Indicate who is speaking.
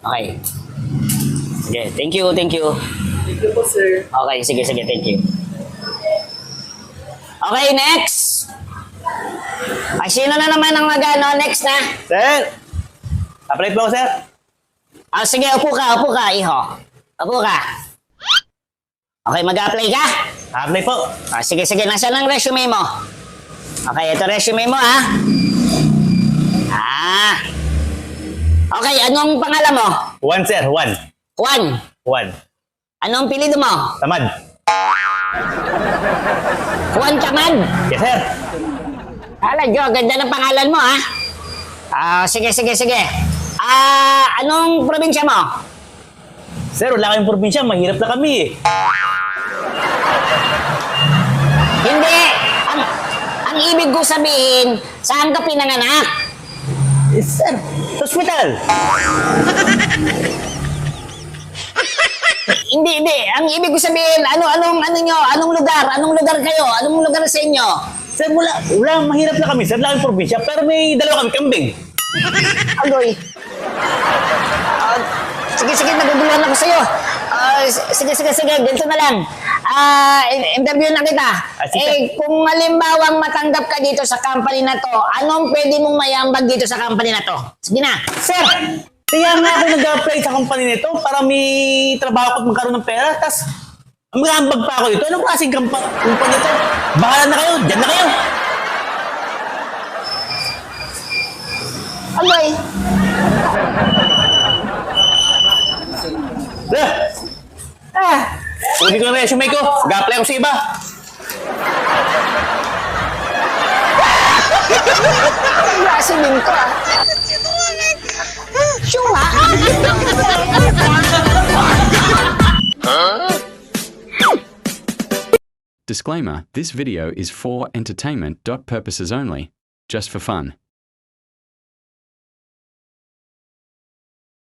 Speaker 1: Okay. Sige, thank you, thank you.
Speaker 2: Thank you po, sir.
Speaker 1: Okay, sige, thank you. Okay, next! Ay, sino na naman ang mag-ano? Next na?
Speaker 3: Sir! Apply po ako, sir.
Speaker 1: Ah, sige, upo ka, iho. Upo ka. Okay, mag-apply ka?
Speaker 3: Apply po.
Speaker 1: Ah, sige, nasaan ang resume mo? Okay, ito resume mo, ha? Ah. Okay, anong pangalan mo?
Speaker 3: One, sir. One.
Speaker 1: Juan.
Speaker 3: One.
Speaker 1: Anong pilido mo?
Speaker 3: Tamad.
Speaker 1: Juan Tamad.
Speaker 3: Yes, sir.
Speaker 1: Hala, Jo, ganda ng pangalan mo, ha? Ah, sige. Ah, anong probinsya mo?
Speaker 3: Sir, wala kayong probinsya. Mahirap na kami eh.
Speaker 1: Hindi. Ang ibig ko sabihin, saan ka pinanganak?
Speaker 3: Sir, hospital.
Speaker 1: Hindi. Ang ibig ko sabihin, anong lugar kayo? Anong lugar sa inyo?
Speaker 3: Sir, wala. Mahirap na kami. Sir, wala kayong probinsya. Pero may dalawa kami kambing.
Speaker 1: Agoy. Sige, naguguluhan ako sa'yo. Sige, ganito na lang. Interview na kita.
Speaker 3: Sige.
Speaker 1: Kung halimbawang matanggap ka dito sa company na to, anong pwede mong mayambag dito sa company na to? Sige na.
Speaker 3: Sir, kaya nga ako nag-apply sa company nito para may trabaho ko at magkaroon ng pera. Tapos, mag-aambag pa ako dito. Anong klaseng company ito? Bahala na kayo. Diyan na kayo.
Speaker 1: Agoy.
Speaker 3: Sir, kunin ko yung resume ko. Mag-apply ako sa iba.
Speaker 1: Ang klase din to, ah. Sure,
Speaker 4: Disclaimer, this video is for entertainment purposes only, just for fun.